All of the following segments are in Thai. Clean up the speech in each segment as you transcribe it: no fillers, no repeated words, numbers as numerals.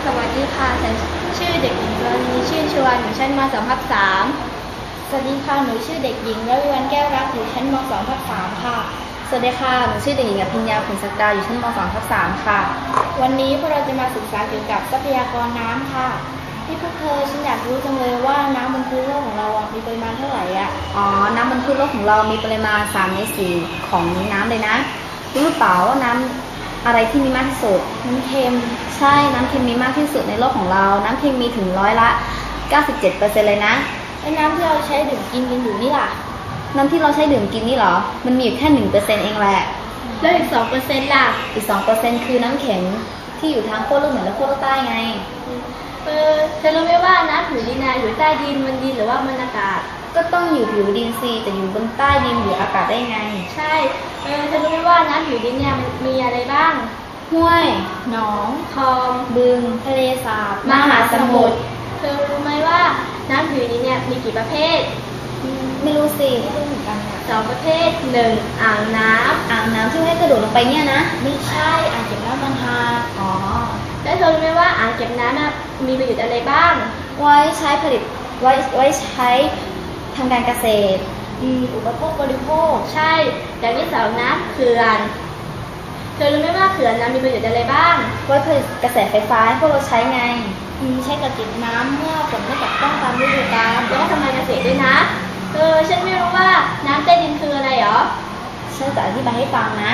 สวัสดีค่ะฉันชื่อเด็กหญิงกรณีชื่นชวนอยู่ชั้นม.2 ทับ 3สวัสดีค่ะหนูชื่อเด็กหญิงระวิวันแก้วรักอยู่ชั้นม.2 ทับ 3ค่ะสวัสดีค่ะหนูชื่อเด็กหญิงอภิญญาผลศักดาอยู่ชั้นม.2 ทับ 3ค่ะวันนี้พวกเราจะมาศึกษาเกี่ยวกับทรัพยากรน้ำค่ะที่พวกเธอฉันอยากรู้จังเลยว่าน้ำบนพื้นโลกของเรามีปริมาณเท่าไหร่น้ำบนพื้นโลกของเรามีปริมาณ3 ใน 4ของน้ำเลยนะรู้หรือเปล่าว่าน้ำอะไรที่มีมากที่สุดน้ำเค็มใช่น้ำเค็มมีมากที่สุดในโลกของเราน้ำเค็มมีถึง97%เลยนะแล้วน้ำที่เราใช้ดื่มกินกันอยู่นี่ล่ะน้ำที่เราใช้ดื่มกินนี่เหรอมันมีอยู่แค่ 1% เองแหละแล้วอีก 2% ล่ะอีก 2% คือน้ำแข็งที่อยู่ทางขั้วโลกเหนือและขั้วโลกใต้ไงเธอรู้ไหมว่าน้ำผิวดินอยู่ใต้ดินบนดินหรือว่าบนอากาศก็ต้องอยู่ผิวดินสิแต่อยู่บนใต้ดินหรืออากาศได้ไงใช่เธอรู้ไหมว่าน้ำผิวดินมันมีอะไรบ้างห้วยหนองคลองบึงทะเลสาบมหาสมุทรเธอรู้ไหมว่าน้ำผิวดินมีกี่ประเภทไม่รู้สิไม่รู้เหมือนกัน2 ประเภท1อ่างน้ำที่ให้กระโดดลงไปเนี่ยนะไม่ใช่อ่างเก็บน้ำบางฮาแล้วเธอรู้ไหมว่าอ่างเก็บน้ำมีประโยชน์อะไรบ้างไว้ใช้ผลิตไว้ใช้ทำการเกษตรอุปโภคบริโภคใช่อย่างที่2นะเขื่อนเธอรู้ไหมว่าเขื่อนมีประโยชน์อะไรบ้างไว้ผลิตกระแสไฟฟ้าให้พวกเราใช้ไงใช้กักเก็บน้ำเมื่อฝนไม่ตกต้องตามฤดูกาลแล้วก็ทำการเกษตรด้วยนะฉันไม่รู้ว่าน้ำใต้ดินคืออะไรหรอฉันจะอธิบายให้ฟังนะ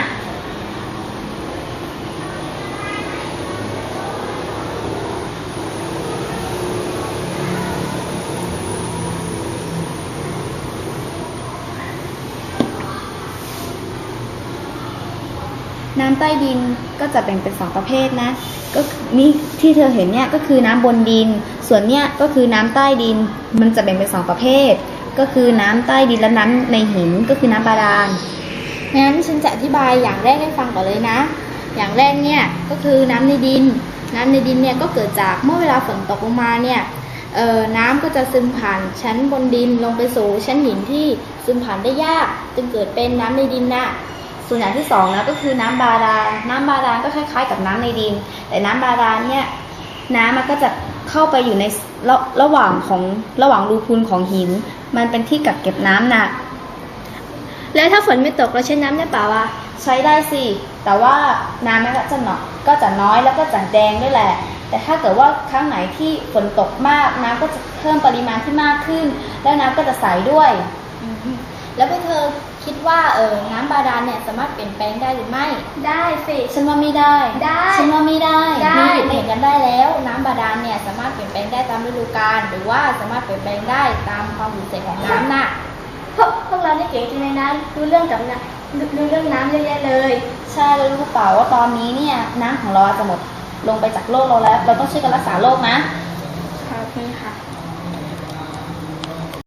น้ำใต้ดินก็จะแบ่งเป็น2 ประเภทนะก็นี่ที่เธอเห็นเนี่ยก็คือน้ำบนดินส่วนเนี่ยก็คือน้ำใต้ดินมันจะแบ่งเป็น2 ประเภทก็คือน้ำใต้ดินและน้ำในหินก็คือน้ำบาดาลงั้นฉันจะอธิบายอย่างแรกให้ฟังก่อนเลยนะอย่างแรกเนี่ยก็คือน้ำในดินเนี่ยก็เกิดจากเมื่อเวลาฝนตกลงมาเนี่ยน้ำก็จะซึมผ่านชั้นบนดินลงไปสู่ชั้นหินที่ซึมผ่านได้ยากจึงเกิดเป็นน้ำในดินส่วนอย่างที่2นะก็คือน้ำบาดาลก็คล้ายๆกับน้ำในดินแต่น้ำบาดาลเนี่ยน้ำมันก็จะเข้าไปอยู่ในระหว่างรูพุนของหินมันเป็นที่กักเก็บน้ำแล้วถ้าฝนไม่ตกเราใช้น้ำได้เปล่าใช้ได้สิแต่ว่าน้ำมันก็จะน้อยแล้วก็จะแดงด้วยแหละแต่ถ้าเกิดว่าครั้งไหนที่ฝนตกมากน้ำก็จะเพิ่มปริมาณที่มากขึ้นแล้วน้ำก็จะใสด้วยแล้วพวกเธอคิดว่าน้ำบาดาลสามารถเปลี่ยนแปลงได้หรือไม่ได้สิฉันว่าไม่ได้ฉันว่าไม่ได้มีเห็นกันได้แล้วน้ำบาดาลสามารถเปลี่ยนแปลงได้ตามฤดูกาลหรือว่าสามารถเปลี่ยนแปลงได้ตามความสูญเสียของน้ำพวกเราได้เก่งจริงๆนะรู้เรื่องน้ำเยอะแยะเลยใช่แล้วรู้เปล่าว่าตอนนี้เนี่ยน้ำของเราจะหมดลงไปจากโลกเราแล้วเราต้องช่วยกันรักษาโลกนะขอบคุณค่ะ